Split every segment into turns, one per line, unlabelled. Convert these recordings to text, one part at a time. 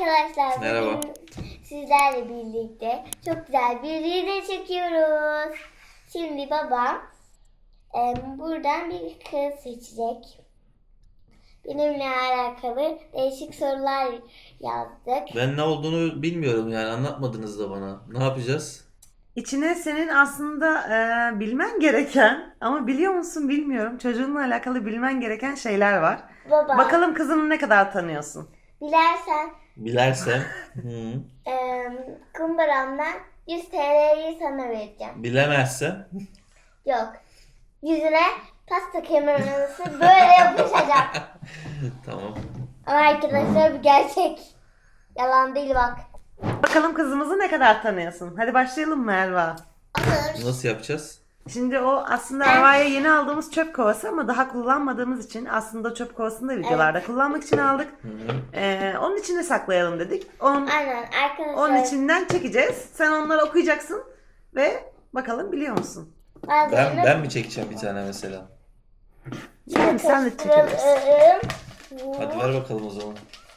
Arkadaşlar
Merhaba.
bugün sizlerle birlikte çok güzel bir video çekiyoruz. Şimdi babam buradan bir kız seçecek. Benimle alakalı değişik sorular yazdık.
Ben ne olduğunu bilmiyorum yani anlatmadınız da bana. Ne yapacağız?
İçine senin aslında bilmen gereken ama biliyor musun bilmiyorum çocuğunla alakalı bilmen gereken şeyler var.
Baba,
Bakalım kızını ne kadar tanıyorsun?
dilersen
Bilersem. Hı.
kumbaramdan 100 TL'yi sana vereceğim.
Bilemezsem.
Yok. Yüzüne pasta kemirmesi böyle yapışacak.
Tamam.
Ama arkadaşlar bu gerçek. Yalan değil bak.
Bakalım kızımızı ne kadar tanıyorsun? Hadi başlayalım mı Erva?
Olur.
Nasıl yapacağız?
Şimdi o aslında Erva'ya yeni aldığımız çöp kovası ama daha kullanmadığımız için aslında çöp kovasını da videolarda kullanmak için aldık. Onun içine saklayalım dedik.
Aynen arkadaşlar.
Onun içinden çekeceğiz. Sen onları okuyacaksın ve bakalım biliyor musun?
Ben mi çekeceğim bir tane mesela?
Yani sen de çekebilirsin.
Hadi ver bakalım o zaman.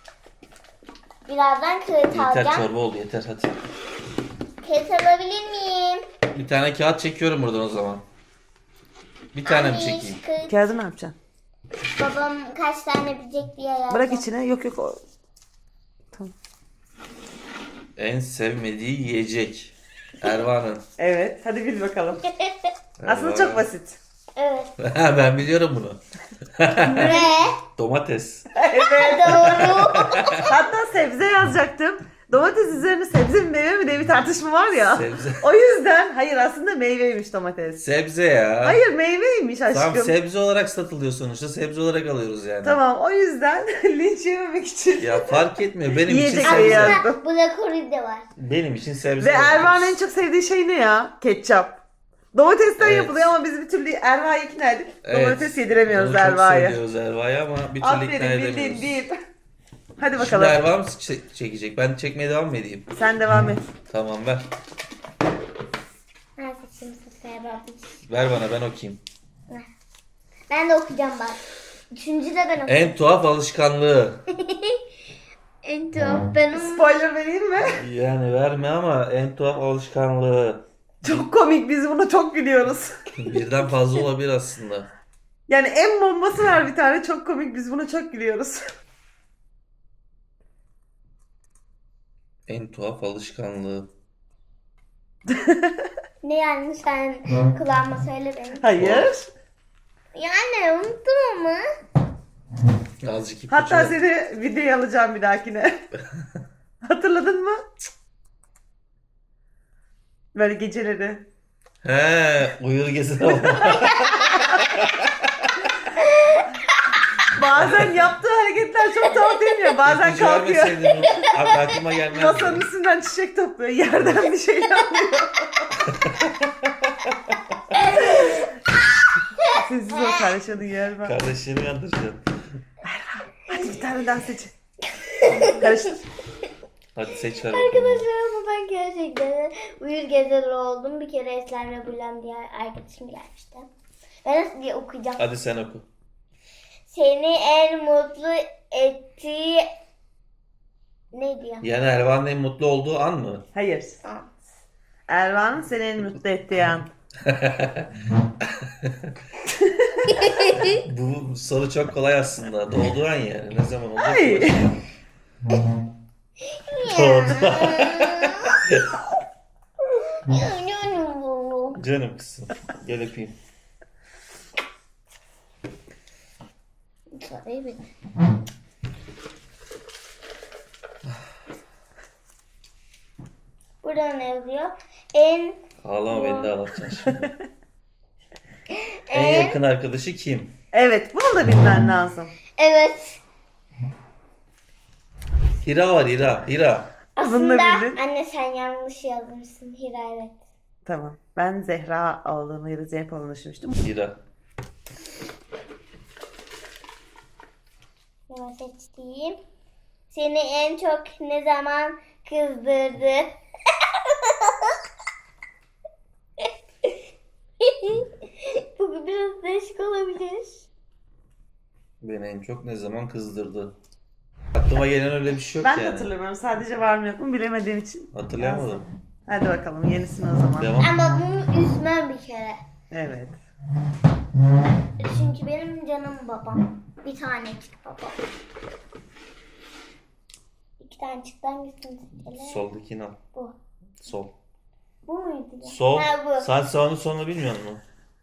Birazdan kağıt
Yeter
alacağım.
çorba oldu yeter hadi.
Kağıt alabilir miyim?
Bir tane kağıt çekiyorum buradan o zaman. Bir tane mi
Anne,
çekeyim?
kağıt.
Kağıdı ne yapacaksın?
Babam kaç tane bilecek diye yazdım.
Bırak içine. Yok. Tamam.
En sevmediği yiyecek. Erva'nın.
Evet. Hadi bil bakalım. Aslında
Erva.
çok basit.
Evet.
Ben biliyorum bunu.
Ve
Domates.
doğru.
Hatta sebze yazacaktım. Domates üzerine sebze mi meyve mi diye bir tartışma var ya.
Sebze.
O yüzden hayır aslında meyveymiş domates.
Sebze ya.
Hayır meyveymiş aşkım.
Tamam sebze olarak satılıyor sonuçta. Sebze olarak alıyoruz yani.
Tamam o yüzden linç yememek için.
Ya fark etmiyor. Benim için
Yiyecek
sebze.
ya.
Aslında blokori de var.
Benim için sebze.
Ve Erva'nın en çok sevdiği şey ne ya? Ketçap. Domatesten
Evet.
yapılıyor ama biz bir türlü Erva'yı ikna edip
Evet.
domates yediremiyoruz
Onu çok
Erva'ya.
seviyoruz Erva'yı ama bir türlü ikna
Aferin
edemiyoruz.
bildin deyip. Hadi
Şimdi
bakalım.
Erva mı çekecek? Ben çekmeye devam mı edeyim?
Sen devam et.
Tamam ver.
Ben seçeyim sıraya babacığım.
Ver bana ben okuyayım.
Ben de okuyacağım bak. Üçüncü de ben okuyacağım.
En tuhaf alışkanlığı.
En tuhaf benim.
Spoiler vereyim mi?
Yani verme ama en tuhaf alışkanlığı.
Çok komik, biz buna çok gülüyoruz.
Birden fazla olabilir aslında.
Yani en bombası var bir tane, çok komik, biz buna çok gülüyoruz.
En tuhaf alışkanlığı.
Ne yani sen kulağıma söyle benim.
Hayır.
Yani unuttum ama.
Azıcık ipucu
Hatta
ver.
seni videoya alacağım bir dahakine. Hatırladın mı? Böyle geceleri.
He, uyur gezer olma.
Bazen yaptığı hareketler çok tuhaf değil mi? Bazen
İpucu
kalkıyor.
vermeseydin aklıma gelmezdi.
Masanın üstünden çiçek topluyor. Yerden bir şey alıyor. Sessiz ol, kardeşini yer var.
Kardeşini yandıracaksın.
Hadi bir tane daha seç. Karıştır.
Hadi seç ver bakalım.
Arkadaşlar ama ben gerçekten uyur gezer oldum. Bir kere Eslem'le Bülent diye arkadaşım gelmişti. Ben nasıl diye okuyacağım.
Hadi sen oku.
Seni en mutlu ettiği... Ne diyor?
Yani Erva'nın en mutlu olduğu an mı?
Hayır. Ervan'ın seni en mutlu ettiği an.
Bu soru çok kolay aslında. Doğduğu an yani. Ne zaman oldu?
Ay.
Doğdu. Canım kızım. Gel öpeyim.
Burada ne yazıyor? En
Ağlama beni de ağlatacaksın şimdi. En yakın arkadaşı kim?
Evet, bunu da bilmen lazım.
evet.
Hira var Hira. Hira.
Aslında
bildin.
anne sen yanlış yazmışsın Hira evet.
Tamam. Ben Zehra olduğunu ya da Zeynep olduğunu düşünmüştüm.
Hira.
Hemen seçtiğim. Seni en çok ne zaman kızdırdı? Bu biraz değişik olabilir.
Beni en çok ne zaman kızdırdı? Aklıma gelen öyle bir şey yok
Ben de
yani.
hatırlamıyorum. Sadece var mı yok mu bilemediğim için.
Hatırlayamadım.
Hadi bakalım yenisini o zaman.
Devam.
Ama bunu üzmem bir kere.
Evet.
Çünkü benim canım babam. Bir tanecik babam. İki tanecik hangisini seçelim?
Soldakini al.
Bu.
Sol.
Bu muydu? Ya?
Sol.
Ha, bu.
Saat sağını sonunu bilmiyor musun?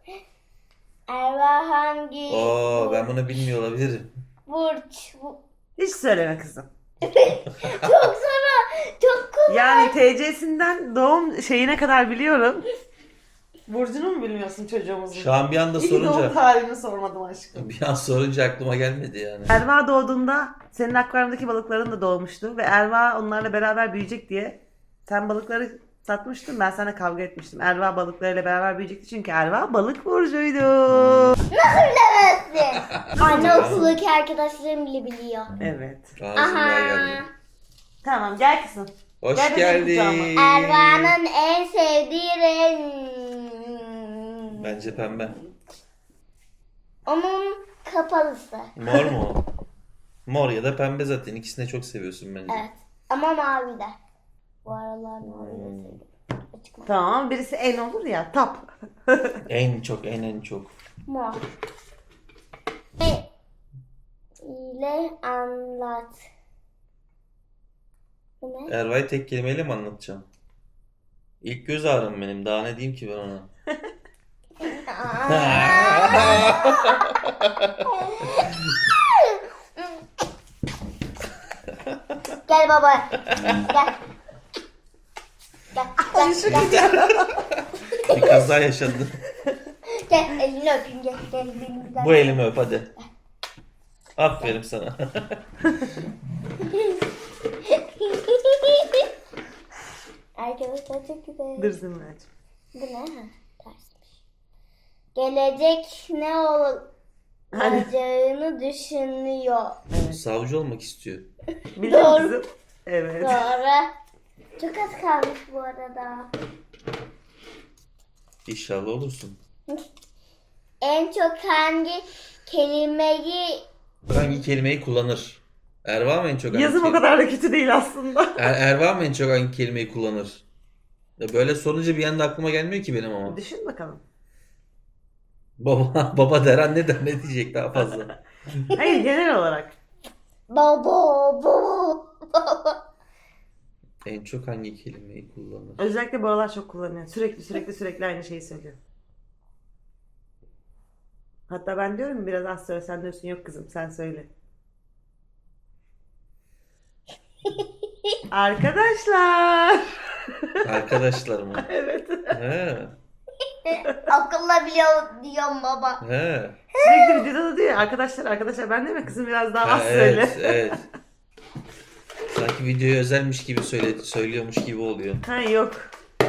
Erva hangi?
Oo, ben bunu bilmiyor olabilirim.
Burç. Bu.
Hiç söyleme kızım.
Çok zor. Çok kolay.
Yani TC'sinden doğum şeyine kadar biliyorum. Burcunu mu bilmiyorsun çocuğumuzun?
Şu an bir anda
İyi doğum
sorunca
tarihini sormadım aşkım.
bir an sorunca aklıma gelmedi yani.
Erva doğduğunda senin akvaryumdaki balıkların da doğmuştu ve Erva onlarla beraber büyüyecek diye sen balıkları satmıştın, ben sana kavga etmiştim. Erva balıklarıyla beraber büyüyecekti çünkü Erva balık burcuydu.
Nasıl bilemezsin? Anne okuldaki arkadaşlarım bile biliyor.
Evet.
Ağzımdan geldi.
Tamam gel kızım.
Hoş
Gel bebeğim kucağıma.
geldin.
Erva'nın en sevdiği renk.
Bence pembe.
Onun kapalısı.
Mor mu? Mor ya da pembe zaten. İkisini de çok seviyorsun bence.
Evet. Ama mavi de. Bu aralar mavi de seviyorum. Açık mavi.
Tamam birisi en olur ya tap.
En çok, en çok.
Mor. Ne ile anlat. Bu ne?
Erva'yı tek kelimeyle mi anlatacağım? İlk göz ağrım benim. Daha ne diyeyim ki ben ona?
Gel baba. Gel. Gel. Gel.
Bir kaza yaşandı.
Gel elini öpeyim gel. Gel benim.
Bu elimi öp hadi. Aferin sana.
Arkadaşlar çok güzel.
Dur Zümracığım.
Bu ne? Ha, tersmiş. Gelecek ne olacağını düşünüyor.
Savcı olmak istiyor.
Biliyor
Doğru.
musun? Evet.
Doğru. Çok az kalmış bu arada.
İnşallah olursun.
En çok hangi kelimeyi
Hangi kelimeyi kullanır? Erva mı en çok hangi
Yazım o kadar da kötü değil aslında.
Erva mı en çok hangi kelimeyi kullanır? Ya böyle sorunca bir anda aklıma gelmiyor ki benim ama.
Düşün bakalım.
Baba der anne der ne diyecek daha fazla.
Hayır genel olarak.
baba.
En çok hangi kelimeyi kullanır?
Özellikle bu aralar çok kullanıyor. Sürekli aynı şeyi söylüyor. Hatta ben diyorum biraz az söyle sen diyorsun yok kızım sen söyle. Arkadaşlar.
Arkadaşlar mı?
Evet.
He.
Akılla biliyor diyorum baba.
He.
Sürekli videoda da diyor ya, arkadaşlar ben değil mi kızım biraz daha az söyle.
Evet, evet. Sanki videoya özelmiş gibi söylüyormuş gibi oluyor.
Ha yok.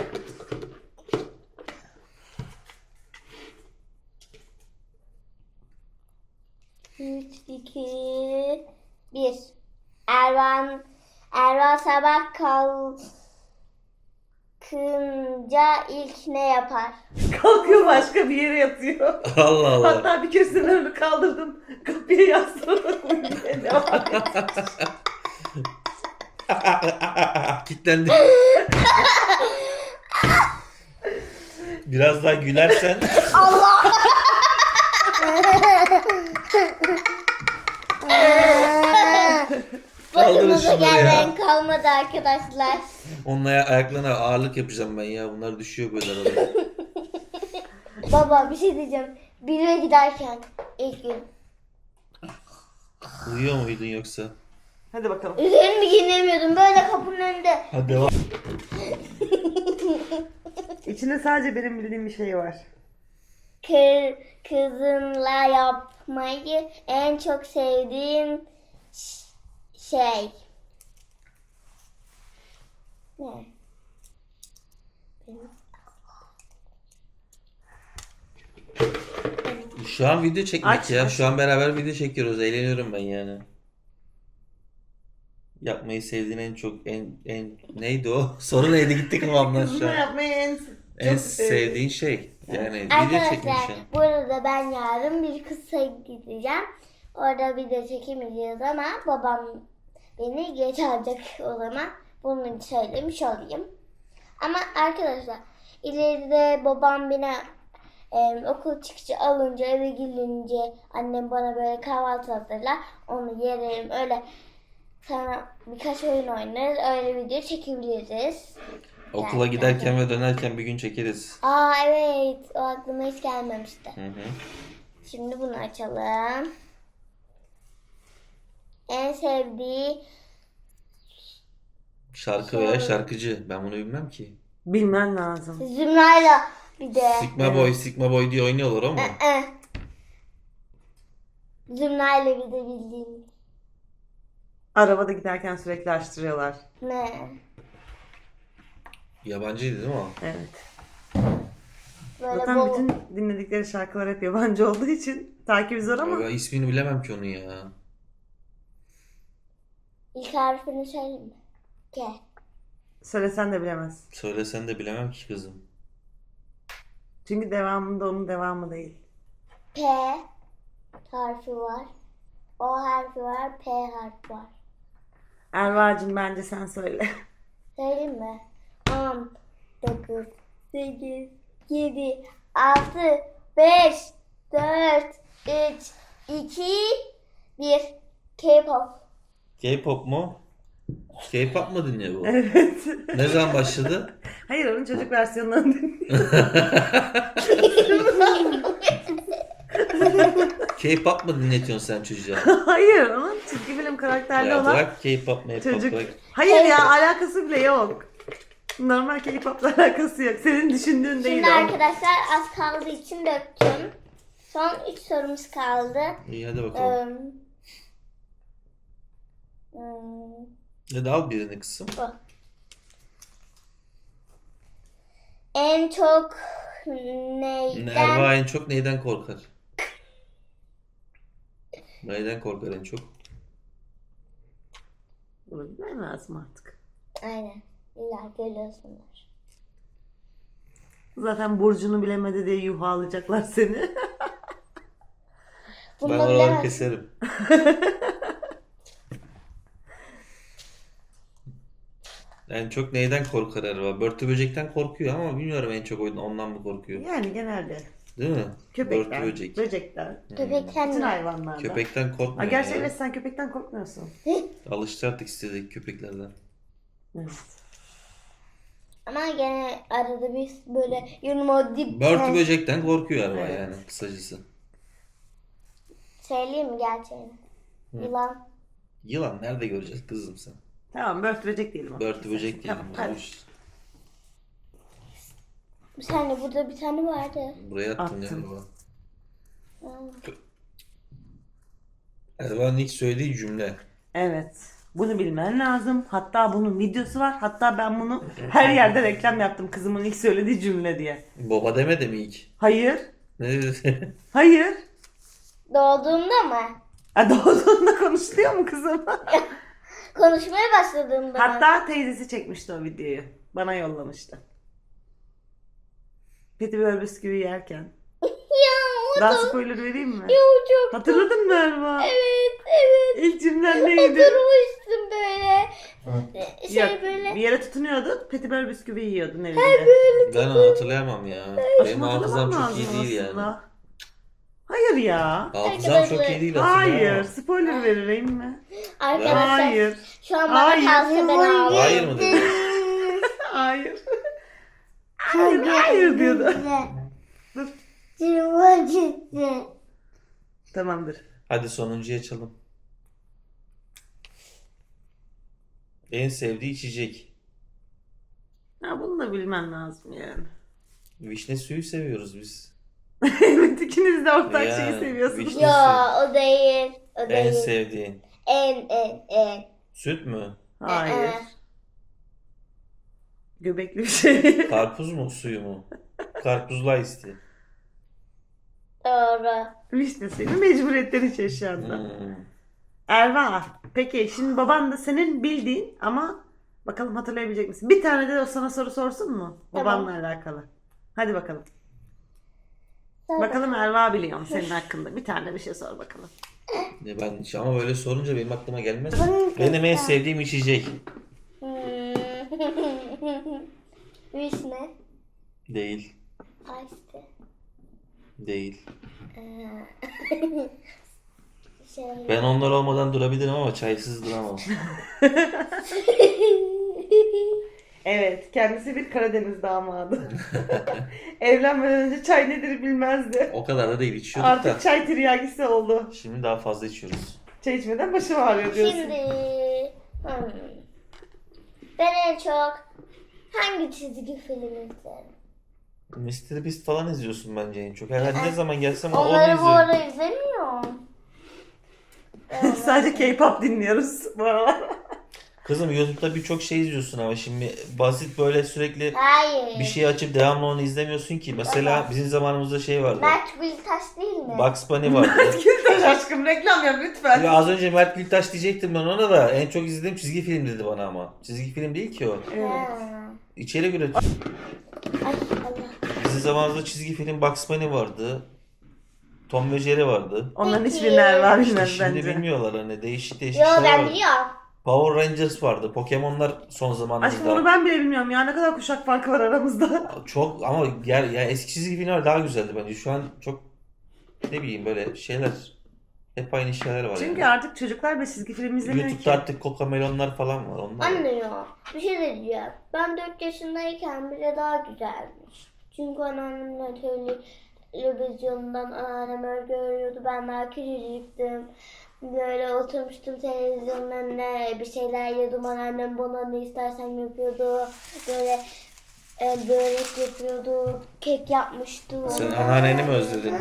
Üç, iki, bir. Ervan sabah kalkınca ilk ne yapar?
Kalkıyor başka bir yere yatıyor.
Allah Allah.
Hatta bir kere önünü kaldırdım. Kapıya yaslanarak uyumaya devam ediyor.
Kitlendi. Biraz daha gülersen. Kaldırın
Başımıza
şunları ya.
gelen kalmadı arkadaşlar.
Onun ayaklarına ağırlık yapacağım ben ya. Bunlar düşüyor böyle arada.
Baba bir şey diyeceğim. Bire giderken ilk gün.
Uyuyor muydun yoksa?
Hadi bakalım.
Üzerimi giyinemiyordum. Böyle kapının önünde.
Hadi devam.
İçinde sadece benim bildiğim bir şey var.
Kızınla yapmayı en çok sevdiğin şey. Ne?
Şu an video çekmek
Aç,
ya.
aç.
Şu an beraber video çekiyoruz. Eğleniyorum ben yani. Yapmayı sevdiğin en çok en neydi o? Soru neydi gitti kafamdan şu
Kızımla
an.
yapmayı
En
çok
sevdiğin şey. Yani video
Arkadaşlar
çekmişsin.
bu arada ben yarın bir kısa gideceğim. Orada video çekemeyeceğiz ama babam beni geç alacak o zaman. Bunu söylemiş olayım. Ama arkadaşlar ileride babam beni okul çıkışı alınca eve gelince annem bana böyle kahvaltı hazırlar. Onu yerim öyle. Sonra birkaç oyun oynarız. Öyle video çekebiliriz.
Okula giderken ve dönerken bir gün çekeriz.
Aa evet. O aklıma hiç gelmemişti.
Hı hı.
Şimdi bunu açalım. En sevdiği
Şarkı veya şarkıcı. Ben bunu bilmem ki.
Bilmen lazım.
Zümra'yla bir de.
Sigma Boy, Sigma Boy diye oynuyorlar ama.
Zümra'yla bir de bildiğim.
Arabada giderken sürekli açtırıyorlar.
Ne?
Yabancıydı değil mi o?
Evet.
Böyle
Zaten
bol.
bütün dinledikleri şarkılar hep yabancı olduğu için takibi zor ama
Ben ismini bilemem ki onun ya.
İlk harfini söyleyeyim mi? K.
söylesen de bilemez.
Söylesen de bilemem ki kızım.
Çünkü devamında onun devamı değil.
P harfi var. O harfi var. P harfi var.
Erva'cığım bence sen söyle.
Söyleyeyim mi? 10, 9, 8, 7, 6, 5, 4, 3, 2, 1. K-pop.
K-pop mu? K-pop mu dinliyor bu?
Evet.
Ne zaman başladı?
Hayır onun çocuk versiyonlarını dinliyor.
K-pop mu dinletiyorsun sen çocuğa?
Hayır onun çizgi film karakterli
Ya
olan
bırak K-pop, M-pop
çocuk.
bırak.
Hayır ya alakası bile yok. Normal K-pop'la alakası yok. Senin düşündüğün değil
Şimdi
o.
arkadaşlar az kaldığı için döktüm. Son 3 sorumuz kaldı.
İyi hadi bakalım. Hadi al birini kızım.
En çok neyden?
Erva en çok neyden korkar? Neyden korkar en çok?
Bunu bilmem lazım artık.
Aynen. İlla görüyorsunuz.
Zaten burcunu bilemedi diye yuhalayacaklar seni.
Bunu
Ben
da
oraları
bilemezsin.
keserim. En çok neyden korkar Erva? Börtü böcekten korkuyor ama bilmiyorum en çok ondan mı korkuyor?
Yani genelde
Değil mi?
köpekler,
Börtü böcek.
böcekler,
Köpekten
bütün
mi?
hayvanlardan.
Köpekten
Ha,
korkmuyor
gerçi
ya.
evet sen köpekten korkmuyorsun.
Alıştı artık istedik köpeklerden.
Evet.
Ama gene arada bir böyle yunuma dip.
Börtü böcekten korkuyor Erva
Evet.
yani kısacası.
Söyleyeyim mi gerçeğini? Yılan.
Yılan nerede göreceğiz kızım sen?
Tamam börtü böcek diyelim.
Börtü böcek diyelim.
Tamam, hadi.
Hoş.
Bir saniye burada bir tane vardı.
Buraya attın
Attım.
Erva.
Aa,
Erva'nın ilk söylediği cümle.
Evet. Bunu bilmen lazım. Hatta bunun videosu var. Hatta ben bunu her yerde reklam yaptım kızımın ilk söylediği cümle diye.
Baba demedi mi ilk?
Hayır.
Ne dedi?
Hayır.
Doğduğumda mı?
Ha, doğduğunda konuşuluyor mu kızım?
Konuşmaya başladığımda mı?
Hatta teyzesi çekmişti o videoyu. Bana yollamıştı. Petibör bisküvi yerken.
Ya o
Daha
da.
spoiler vereyim mi?
Ya o çok.
Hatırladın mı Erva?
Evet.
İlk cümlen neydi?
Oturmuştum böyle.
Yok,
Böyle.
bir yere tutunuyordun. Petibör bisküvi yiyordun evinde.
Ben onu hatırlayamam ya. Benim hafızam
Hatırlamam
çok iyi
lazım
değil yani.
aslında. Hayır ya.
Hafızam çok iyi değil aslında.
Hayır.
ama.
Spoiler vereyim mi?
Arkadaşlar
Hayır.
şu an bana
Hayır.
kalsa ben ağlarım.
Hayır mı dedi?
Hayır. Hayır, hayır diyordu. Dur. Tamamdır.
Hadi sonuncuyu açalım. En sevdiği içecek.
Ha, bunu da bilmen lazım yani.
Vişne suyu seviyoruz biz.
Evet ikiniz de ortak
Ya,
şeyi seviyorsunuz.
vişne-
Ya o değil. O
En
değil.
sevdiğin.
En.
Süt mü?
Hayır. Göbekli bir şey.
Karpuz mu suyu mu? Karpuzla isti.
Doğru.
Vişne senin mecburiyetlerin için şu anda.
Hmm.
Erva. Peki şimdi baban da senin bildiğin ama bakalım hatırlayabilecek misin? Bir tane de o sana soru sorsun mu?
Tamam.
Babanla alakalı. Hadi bakalım.
Sor
Bakalım Erva biliyor mu senin hakkında? Bir tane bir şey sor bakalım.
Ya ben ama böyle sorunca benim aklıma gelmez.
Bunun
Benim en sevdiğim içecek.
Vişne.
Değil.
Ice.
Değil.
Şey.
Ben onlar olmadan durabilirim ama çaysız duramam.
Evet, kendisi bir Karadeniz damadı. Evlenmeden önce çay nedir bilmezdi.
O kadar da değil, içiyorduk
Artık
da.
çay tiryakisi oldu.
Şimdi daha fazla içiyoruz.
Çay içmeden başım ağrıyor diyorsun.
Şimdi ben en çok hangi çizgi film izlerim?
Mr. Beast falan izliyorsun bence en çok. Herhalde ne zaman gelsem onu
Onları bu
izliyorum.
ara izlemiyorum.
Sadece K-pop dinliyoruz bu aralar.
Kızım YouTube'da birçok şey izliyorsun ama şimdi basit böyle sürekli
Hayır.
bir şey açıp devamlı onu izlemiyorsun ki. Mesela
Evet.
bizim zamanımızda şey vardı.
Mert Biltaş değil mi?
Bugs Bunny vardı.
Gültaş aşkım reklam yap lütfen.
Ya az önce Mert Gültaş diyecektim ben ona da. En çok izlediğim çizgi film dedi bana ama. Çizgi film değil ki o.
Evet.
Ha.
İçerik üretiyor.
Ay Allah.
Bizim zamanımızda çizgi film Bugs Bunny vardı. Tom ve Jerry vardı.
Onların
Peki.
hiçbirini Erva
İşte
bilmez
şimdi
bence.
bilmiyorlar hani değişik değişik
Yo
şeyler
ben
var.
biliyorum.
Power Rangers vardı. Pokemon'lar son
Aşkım
zamanlarda.
onu ben bile bilmiyorum ya. Ne kadar kuşak farkı var aramızda.
Çok ama ya eski çizgi filmler daha güzeldi bence. Şu an çok ne bileyim böyle şeyler hep aynı şeyler var.
Çünkü
yani.
artık çocuklar bir çizgi film izlemiyor
YouTube'da
ki.
artık Cocomelon'lar falan var. Onlar
Anne ya bir şey diyeceğim. Ben 4 yaşındayken bile daha güzelmiş. Çünkü anneannemle televizyondan anneannem öyle görüyordu. Ben daha küçücüktüm. Böyle oturmuştum televizyonun önüne bir şeyler yiyordum. Anneannem bana ne istersen yapıyordu. Böyle börek yapıyordu. Kek yapmıştı.
Sen anneanneni mi özledin?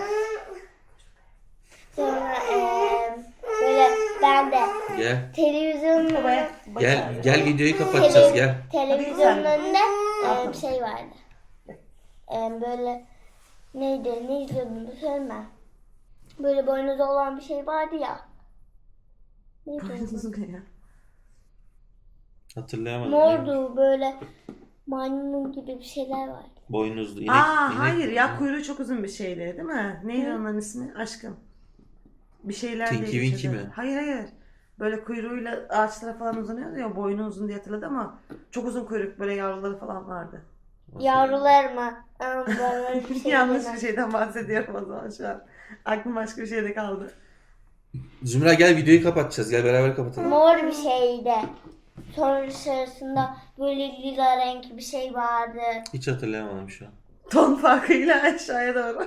Sonra böyle ben de
Gel.
televizyonun
Babaya.
Gel videoyu kapatacağız gel.
televizyonun
Hadi
önünde
Tamam.
şey vardı. Böyle neydi? Ne izliyordum? Söyleme. Böyle boynuzu olan bir şey vardı ya. Neydi? o?
Hatırlayamadım.
Mordu.
Böyle maymun gibi bir şeyler vardı.
Boynuzlu. İnek,
Aa
inek-
hayır ya kuyruğu çok uzun bir şeydi değil mi? Neydi onların ismi? Aşkım. Bir şeyler
Tinky
diye
Winky
geçiyordu.
mi?
Hayır. Böyle kuyruğuyla ağaçlara falan uzanıyordu ya. Boynu uzun diye hatırladı ama çok uzun kuyruk böyle yavruları falan vardı.
Yavrular mı? Ama ben öyle bir şey
Yanlış
demem.
bir şeyden bahsediyorum o zaman şu an. Aklım başka bir şeyde kaldı.
Zümra gel videoyu kapatacağız. Gel beraber kapatalım.
Mor bir şeydi. Sonra dışarısında böyle lila renk bir şey vardı.
Hiç hatırlayamadım şu an.
Ton farkıyla aşağıya doğru.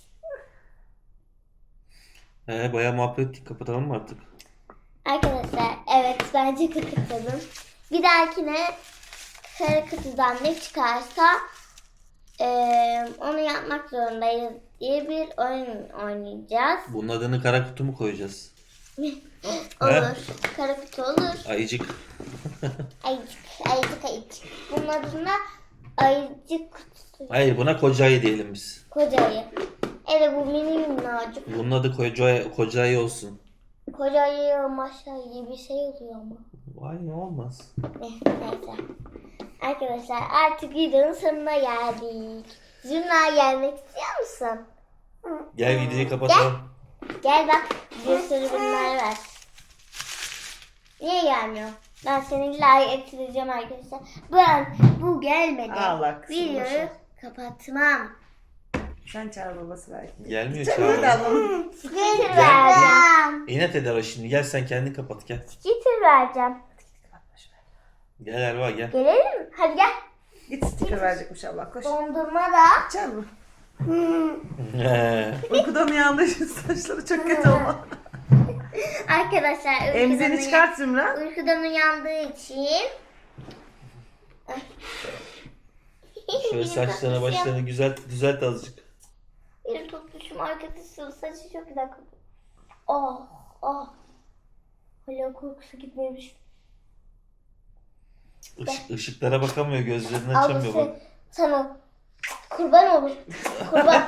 Bayağı muhabbet ettik. Kapatalım mı artık?
Arkadaşlar evet bence kapatalım. Bir dahakine kara kutudan ne çıkarsa onu yapmak zorundayız diye bir oyun oynayacağız.
Bunun adını kara kutu mu koyacağız?
Olur. Kara kutu olur.
Ayıcık.
Ayıcık. Bunun adına ayıcık kutusu.
Hayır buna koca ayı diyelim biz.
Koca ayı. Evet bu mini minnacık.
Bunun adı koca ayı olsun.
Koca ayı maşa gibi bir şey oluyor ama.
Vay ne olmaz.
Neyse. Arkadaşlar artık videonun sonuna geldik. Zümra gelmek istiyor musun?
Gel videoyu kapatalım.
Gel bak bir sürü bunlar var. Niye gelmiyor? Ben seni like ettireceğim arkadaşlar. Bu gelmedi.
Allah kızım,
Videoyu
boşver.
kapatmam.
Sen çağır babası belki.
Gelmiyor
Hadi
çağır.
alalım.
Getir vereceğim.
İnat eder o şimdi. Gel sen kendin kapat gel.
Getir vereceğim.
Gel Erva gel.
Gelelim mi? Hadi gel.
Git sticker verecekmiş Allah koş.
Dondurma da.
Canım. Uykudan uyandığı için saçları çok kötü oldu.
Arkadaşlar
Emzini çıkart Zümra.
uykudan uyandığı için
Şöyle saçlarına başlarını güzel düzelt azıcık.
bir tutmuşum arkadaşım saçı çok güzel kokuyor. Oh oh. Hala kokusu gitmemiş.
Işıklara bakamıyor, gözlerini
Al
açamıyor bak.
sana kurban olur. Kurban.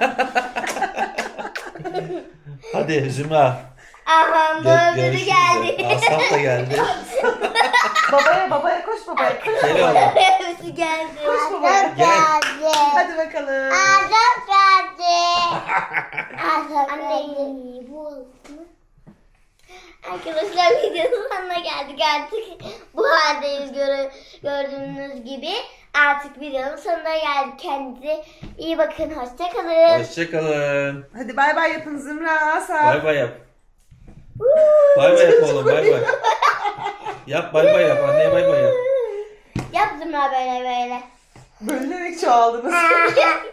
Hadi Zümra.
Aha dördüncü
Görüşürüz.
geldi.
Asaf da geldi.
Babaya koş babaya.
Gel oğlum.
Hepsi geldi.
Koş babaya.
Azap geldi.
Hadi bakalım.
Azap geldi. Azap geldi. Anne bu oldu mu? Arkadaşlar videonun sonuna geldik artık. Bu haldeyiz gördüğünüz gibi. Artık videonun sonuna geldik. Kendinize iyi bakın. Hoşçakalın.
Hoşçakalın.
Hadi bay bay yapın Zümra, Asaf.
Bay bay yap. Bay bay yap oğlum, bay bay. Yap bay bay yap, anneye bay bay yap.
Yaptım ben böyle böyle.
Bölünerek çoğaldınız.